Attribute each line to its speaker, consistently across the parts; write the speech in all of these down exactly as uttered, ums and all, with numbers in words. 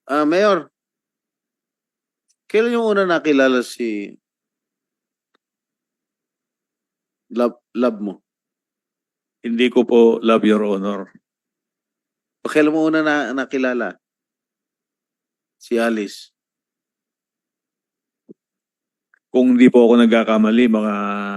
Speaker 1: Ah, Mayor, kailan yung una nakilala si love, love mo?
Speaker 2: Hindi ko po love, Your Honor.
Speaker 1: O kailan mo una na, nakilala si Alice?
Speaker 2: Kung hindi po ako nagkakamali, mga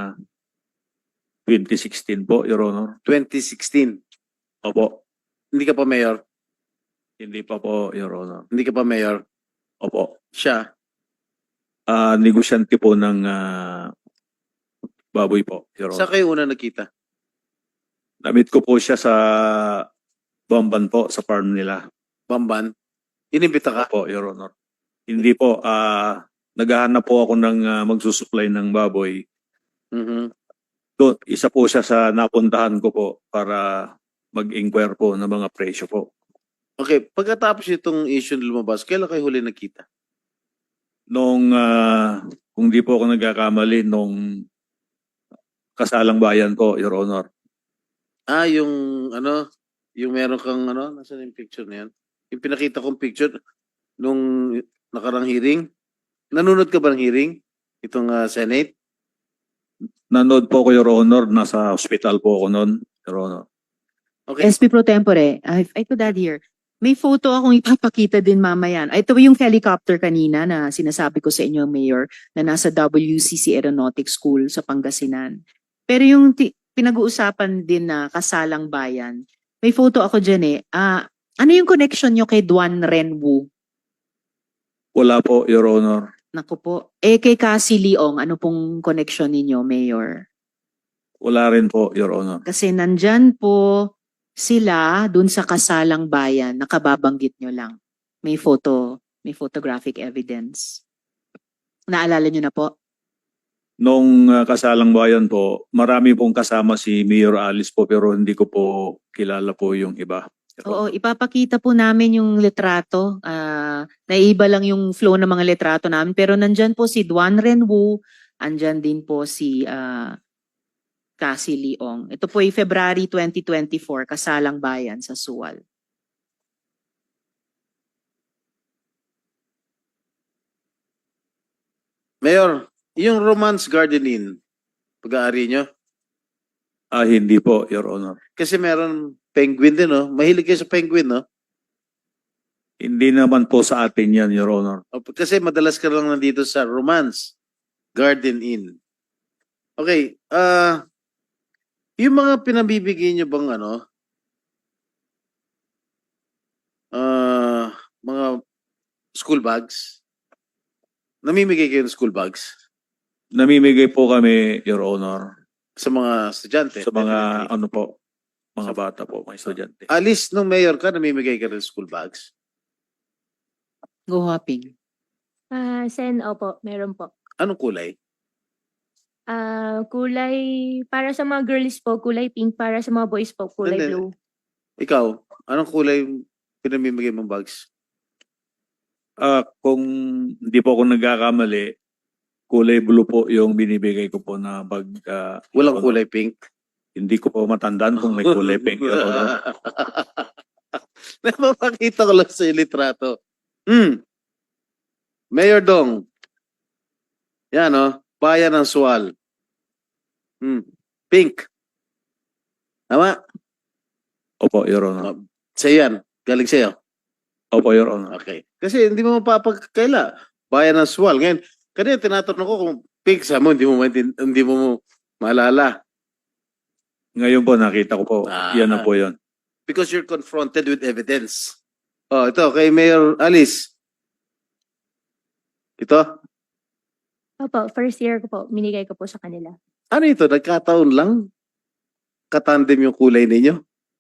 Speaker 2: twenty sixteen po, Your Honor.
Speaker 1: twenty sixteen.
Speaker 2: Opo.
Speaker 1: Hindi ka pa mayor?
Speaker 2: Hindi pa po, Your Honor.
Speaker 1: Hindi ka pa mayor?
Speaker 2: Opo.
Speaker 1: Siya?
Speaker 2: Ah, negosyante po ng ah, baboy po, Your
Speaker 1: Saan
Speaker 2: Honor.
Speaker 1: kayo una nakita?
Speaker 2: Namit ko po siya sa Bamban po, sa farm nila.
Speaker 1: Bamban? Inimbita ka?
Speaker 2: Opo, Your Honor. Hindi po, ah, naghahanap po ako ng ah, magsusupply ng baboy.
Speaker 1: Mhm.
Speaker 2: Do, isa po siya sa napuntahan ko po para mag-inquire po ng mga presyo po.
Speaker 1: Okay, pagkatapos itong issue na lumabas, kailan kayo huli nakita?
Speaker 2: Nung, ah, kung di po ako nagkakamali, nung kasalang bayan po, Your Honor.
Speaker 1: Ah, yung ano, yung meron kang ano, nasaan yung picture na yan? Yung pinakita kong picture nung nakarang hearing. Nanonood ka ba ng hearing? Itong ah, Senate?
Speaker 2: Nanood po ko, Your Honor, nasa hospital po ako noon, Your Honor.
Speaker 1: Okay.
Speaker 3: S P Pro Tempore, I, I could add here. May photo akong ipapakita din mamaya. Ito yung helicopter kanina na sinasabi ko sa inyo, Mayor, na nasa W C C Aeronautics School sa Pangasinan. Pero yung ti- pinag-uusapan din na kasalang bayan, may photo ako dyan eh. Ah, ano yung connection nyo kay Duan Renwu?
Speaker 2: Wala po, Your Honor.
Speaker 3: Naku po. Eh kay Cassie Leong, ano pong connection ninyo, Mayor?
Speaker 2: Wala rin po, Your Honor.
Speaker 3: Kasi nandyan po sila dun sa kasalang bayan, nakababanggit nyo lang. May photo, may photographic evidence. Naalala nyo na po?
Speaker 2: Nung ah, kasalang bayan po, marami pong kasama si Mayor Alice po pero hindi ko po kilala po yung iba. Your
Speaker 3: Oo,
Speaker 2: Honor.
Speaker 3: ipapakita po namin yung litrato. Ah, naiiba lang yung flow ng mga litrato namin. Pero nandyan po si Duan Renwu, andyan din po si ah, Cassie Leong. Ito po ay February twenty twenty-four, kasalang bayan sa Suwal.
Speaker 1: Mayor, yung Romance Garden Inn, pag-aari nyo?
Speaker 2: Ah, hindi po, Your Honor.
Speaker 1: Kasi meron penguin din, no? Mahilig kayo sa penguin, no?
Speaker 2: Hindi naman po sa atin yan, Your Honor.
Speaker 1: O, kasi madalas ka lang nandito sa Romance Garden Inn. Okay, ah, yung mga pinabibigay nyo bang ano, ah, mga school bags? Namimigay kayo ng school bags
Speaker 2: Namimigay po kami, Your Honor,
Speaker 1: sa mga estudyante?
Speaker 2: sa mga ano po, mga bata po, mga estudyante.
Speaker 1: Alice, nung mayor ka, namimigay ka ng school bags?
Speaker 3: Go hopping.
Speaker 4: Ah, Sen, opo, meron po.
Speaker 1: Anong kulay?
Speaker 4: Ah, kulay para sa mga girls po, kulay pink, para sa mga boys po, kulay
Speaker 1: Hindi.
Speaker 4: blue.
Speaker 1: Ikaw, anong kulay yung pinamimigay mong bags?
Speaker 2: Ah, kung hindi po ako nagkakamali, kulay blue po yung binibigay ko po na bag. ah,
Speaker 1: Walang
Speaker 2: Your Honor.
Speaker 1: kulay pink?
Speaker 2: Hindi ko po matandaan kung may kulay pink, Your Honor.
Speaker 1: Napapakita ko lang sa iyo litrato. Hmm. Mayor Dong. Yan, oh. Bayan ng Sual. Hmm. Pink. Tama?
Speaker 2: Opo, Your Honor.
Speaker 1: Sa'yo yan. Galing sa'yo.
Speaker 2: Opo, Your Honor.
Speaker 1: Okay. Kasi hindi mo mapapagkaila. Bayan ng Sual. Ngayon, kanina tinatanong ko kung pink sa mo, hindi mo, maintin- hindi mo maalala.
Speaker 2: Ngayon po, nakita ko po.
Speaker 1: Ah.
Speaker 2: Yan na po yun.
Speaker 1: Because you're confronted with evidence. Oh, ito, kay Mayor Alice. Ito?
Speaker 4: Opo, first year ko po, minigay ko po sa kanila.
Speaker 1: Ano ito? Nagkataon lang? Katandem yung kulay ninyo?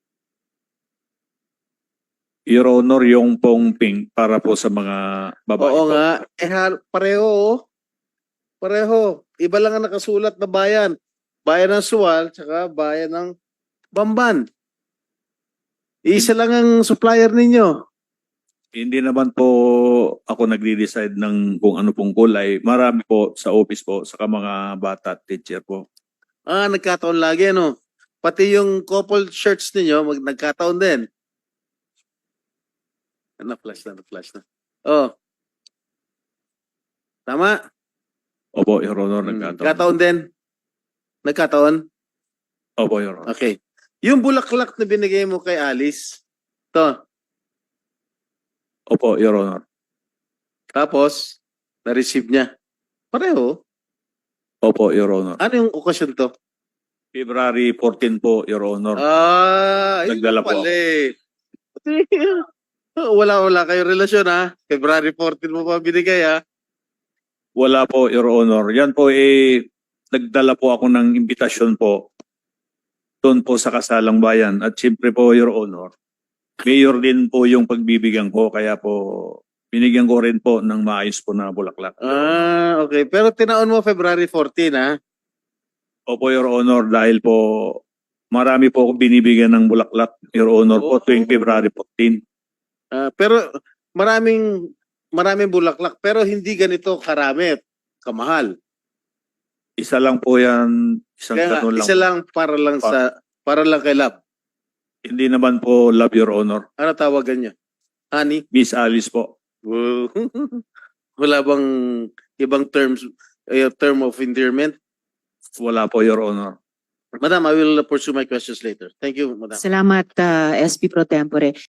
Speaker 2: Your Honor, yung pong pink para po sa mga babae
Speaker 1: Oo
Speaker 2: po.
Speaker 1: nga. Eh, ha- pareho, oh. Pareho. Iba lang ang nakasulat na bayan. Bayan ng Sual, tsaka bayan ng Bamban. Isa lang ang supplier ninyo.
Speaker 2: Hindi naman po ako nagde-decide ng kung ano pong kulay. Marami po sa office po, saka mga bata at teacher po.
Speaker 1: Ah, nagkataon lagi, ano? Pati yung couple shirts ninyo, mag nagkataon din. Na-flash na, na-flash na. Oh. Tama?
Speaker 2: Opo, Your Honor,
Speaker 1: Hmm.
Speaker 2: nagkataon.
Speaker 1: Nagkataon din? Nagkataon?
Speaker 2: Opo, Your Honor.
Speaker 1: Okay. Yung bulaklak na binigay mo kay Alice, to,
Speaker 2: Opo, Your Honor.
Speaker 1: tapos, na-receive niya. Pareho.
Speaker 2: Opo, Your Honor.
Speaker 1: Ano yung okasyon to?
Speaker 2: February fourteen po, Your Honor.
Speaker 1: Ah, yun
Speaker 2: Nagdala
Speaker 1: na
Speaker 2: po
Speaker 1: pala eh. Wala, wala kayong relasyon ha. February fourteen mo pa binigay ha.
Speaker 2: Wala po, Your Honor. Yan po eh, nagdala po ako ng imbitasyon po doon po sa Kasalang Bayan. At siyempre po, Your Honor, mayor din po yung pagbibigyan ko. Kaya po, binigyan ko rin po ng maayos po na bulaklak.
Speaker 1: Ah, okay. Pero tinaon mo February fourteen ha.
Speaker 2: Opo, Your Honor, dahil po marami po akong binibigyan ng bulaklak, Your Honor, po
Speaker 1: Oh.
Speaker 2: tuwing February fourteen.
Speaker 1: Ah, pero maraming maraming bulaklak pero hindi ganito karami at kamahal.
Speaker 2: Isa lang po yan, isang
Speaker 1: Kaya nga,
Speaker 2: kanon lang.
Speaker 1: isa lang para lang
Speaker 2: Pa-
Speaker 1: sa para lang kay Love.
Speaker 2: Hindi naman po love, Your Honor.
Speaker 1: Ano tawagan niya? Honey?
Speaker 2: Miss Alice po.
Speaker 1: Wow. Wala bang ibang terms eh, term of endearment?
Speaker 2: Wala po, Your Honor.
Speaker 1: Madam, I will pursue my questions later. Thank you, Madam.
Speaker 3: Salamat, uh, S P Pro Tempore.